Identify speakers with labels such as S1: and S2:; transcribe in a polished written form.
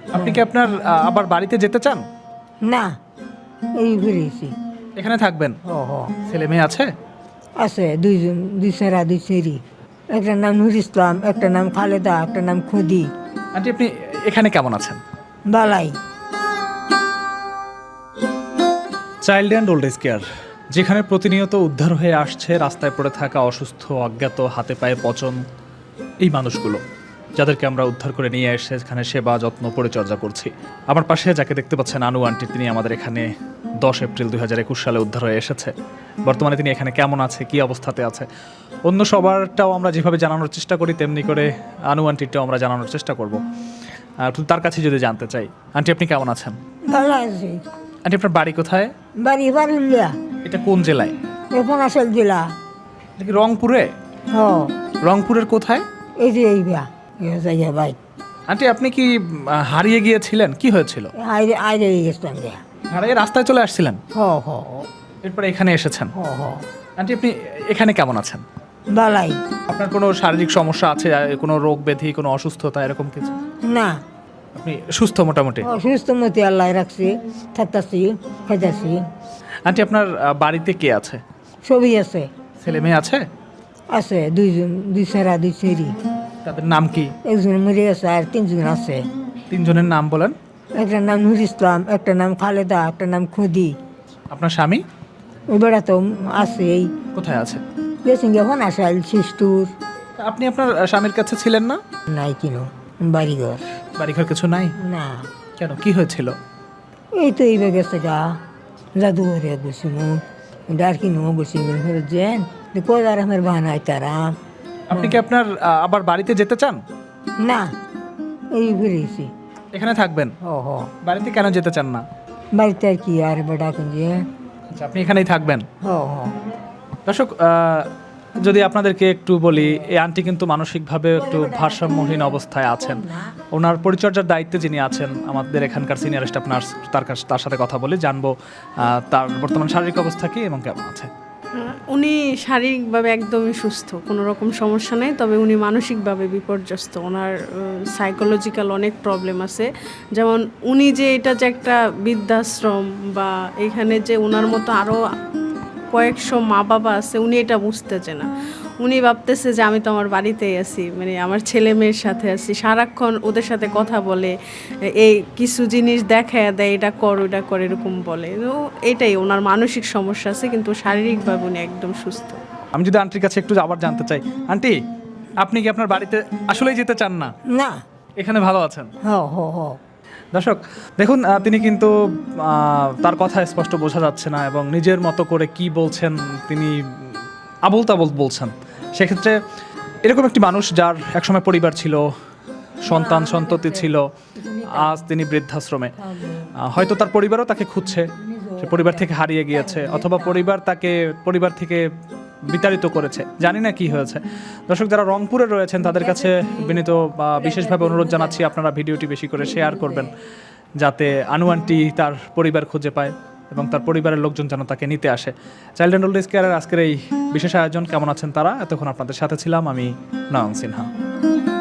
S1: আপনি কি আপনার আবার বাড়িতে যেতে চান?
S2: না, এই ঘুরেছি।
S1: এখানে থাকবেন?
S2: ও হ
S1: ছেলে মেয়ে আছে?
S2: আছে দুইজন, দুই ছেঁড়া দুই ছেড়ি। একটার নাম নুর ইসলাম, একটা নাম খালেদা, একটা নাম খুদি।
S1: আন্টি আপনি এখানে কেমন আছেন?
S2: বালাই।
S1: Child and old age care, যেখানে প্রতিনিয়ত উদ্ধার হয়ে আসছে রাস্তায় পড়ে থাকা অসুস্থ, অজ্ঞাত, হাতে পায়ে পচন এই মানুষগুলো, যাদেরকে আমরা উদ্ধার করে নিয়ে এসে এখানে সেবা যত্ন পরিচর্যা করছি। আমার পাশে যাকে দেখতে পাচ্ছেন আনু আন্টি, তিনি আমাদের এখানে 10 এপ্রিল 2021 সালে উদ্ধার হয়ে এসেছে। বর্তমানে তিনি এখানে কেমন আছে, কী অবস্থাতে আছে, অন্য সবারটাও আমরা যেভাবে জানানোর চেষ্টা করি তেমনি করে আনু আন্টিটাও আমরা জানানোর চেষ্টা করব। তার কাছে যদি জানতে চাই, আন্টি আপনি কেমন আছেন?
S2: ভালো আছি।
S1: আন্টি আপনার বাড়ি কোথায়?
S2: বাড়ি বারুলিয়া,
S1: এটা কোন জেলায়?
S2: এখন আসল জেলা।
S1: এটা কি রংপুরে?
S2: হ,
S1: রংপুরের কোথায়?
S2: এই যে এই বিয়া যাইয়া ভাই
S1: আন্টি আপনি কি হারিয়ে গিয়েছিলেন? কি হয়েছিল?
S2: আইরে আইরে গেছিলাম গিয়া।
S1: হারিয়ে রাস্তায় চলে আসছিলেন,
S2: হ হ
S1: এরপরে এখানে এসেছেন।
S2: হ হ
S1: আন্টি আপনি এখানে কেমন আছেন?
S2: বালাই।
S1: আপনার কোনো শারীরিক সমস্যা আছে, কোনো রোগ ব্যাধি, কোনো অসুস্থতা এরকম কিছু?
S2: না,
S1: আপনি সুস্থ মোটামুটি?
S2: অসুস্থ মতি আল্লাহ রাখছি, থাকতাছি, খাইতাছি,
S1: আন্টি আপনার বাড়িতে কে আছে?
S2: সবই আছে।
S1: ছেলে মেয়ে আছে?
S2: আছে দুইজন, দুই ছেঁড়া দুই ছেড়ি।
S1: তাদের নাম কি?
S2: একজন মরে গেছে আর তিনজন আছে।
S1: তিনজনের নাম বলেন।
S2: একটার নাম নুর ইসলাম, একটা নাম খালেদা, একটা নাম খুদি।
S1: আপনার স্বামী
S2: ওই বেড়া তো আছে, এই
S1: কোথায় আছে?
S2: গেছেন এখন আসাল শিষ্টুর।
S1: আপনি আপনার স্বামীর কাছে ছিলেন না?
S2: নাই কিনো বাড়িঘর।
S1: বাড়িঘর কিছু নাই?
S2: না,
S1: কেন, কি হয়েছিল?
S2: এই তো এইবার গেছে গা জাদুঘরে বসি মু ডার কিনো বসি ফেরত যেন কোদার আমার বানাই তারা।
S1: আপনি কি আপনার আবার বাড়িতে যেতে চান?
S2: না, এই ঘুরেছি।
S1: এখানে থাকবেন?
S2: ও হ,
S1: বাড়িতে কেন যেতে চান না?
S2: বাড়িতে আর কি আর বেড়া কুঞ্জে।
S1: আচ্ছা, আপনি এখানেই থাকবেন।
S2: হ হ
S1: দর্শক, যদি আপনাদেরকে একটু বলি, এই আন্টি কিন্তু মানসিকভাবে একটু ভারসাম্যহীন অবস্থায় আছেন। ওনার পরিচর্যার দায়িত্বে যিনি আছেন আমাদের এখানকার সিনিয়র স্টাফ নার্স, তার সাথে কথা বলে জানবো তার বর্তমান শারীরিক অবস্থা কি এবং কেমন আছে।
S3: উনি শারীরিকভাবে একদমই সুস্থ, কোনো রকম সমস্যা নেই, তবে উনি মানসিকভাবে বিপর্যস্ত। ওনার সাইকোলজিক্যাল অনেক প্রবলেম আছে। যেমন উনি যে এটা যে একটা বৃদ্ধাশ্রম বা এখানে যে ওনার মতো আরও কয়েকশো মা বাবা আছে, উনি এটা বুঝতেছে না। উনি ভাবতেছে যে আমি তো আমার বাড়িতেই আছি, মানে আমার ছেলে মেয়ের সাথে আছি, সারাক্ষণ ওদের সাথে কথা বলে, এই কিছু জিনিস দেখায় দেয়, এটা কর ওটা কর এরকম বলে। তো এটাই ওনার মানসিক সমস্যা আছে, কিন্তু শারীরিকভাবে উনি একদম সুস্থ।
S1: আমি যদি আন্টির কাছে একটু আবার জানতে চাই, আন্টি আপনি কি আপনার বাড়িতে আসলেই যেতে চান না?
S2: না।
S1: এখানে ভালো আছেন?
S2: হ হ হ
S1: দর্শক দেখুন, তিনি কিন্তু তার কথা স্পষ্ট বোঝা যাচ্ছে না এবং নিজের মতো করে কি বলছেন তিনি আবোল তাবোল বলছেন। সেক্ষেত্রে এরকম একটি মানুষ যার একসময় পরিবার ছিল, সন্তান সন্ততি ছিল, আজ তিনি বৃদ্ধাশ্রমে। হয়তো তার পরিবারও তাকে খুঁজছে, সে পরিবার থেকে হারিয়ে গিয়েছে, অথবা পরিবার থেকে বিতাড়িত করেছে, জানি না কি হয়েছে। দর্শক যারা রংপুরে রয়েছেন তাদের কাছে বিনীত বা বিশেষভাবে অনুরোধ জানাচ্ছি, আপনারা ভিডিওটি বেশি করে শেয়ার করবেন যাতে আনু আন্টি তার পরিবার খুঁজে পায় এবং তার পরিবারের লোকজন যেন তাকে নিতে আসে। চাইল্ড অ্যান্ড ওল্ড এজ কেয়ারের আজকের এই বিশেষ আয়োজন কেমন আছেন তারা, এতক্ষণ আপনাদের সাথে ছিলাম আমি নয়ন সিনহা।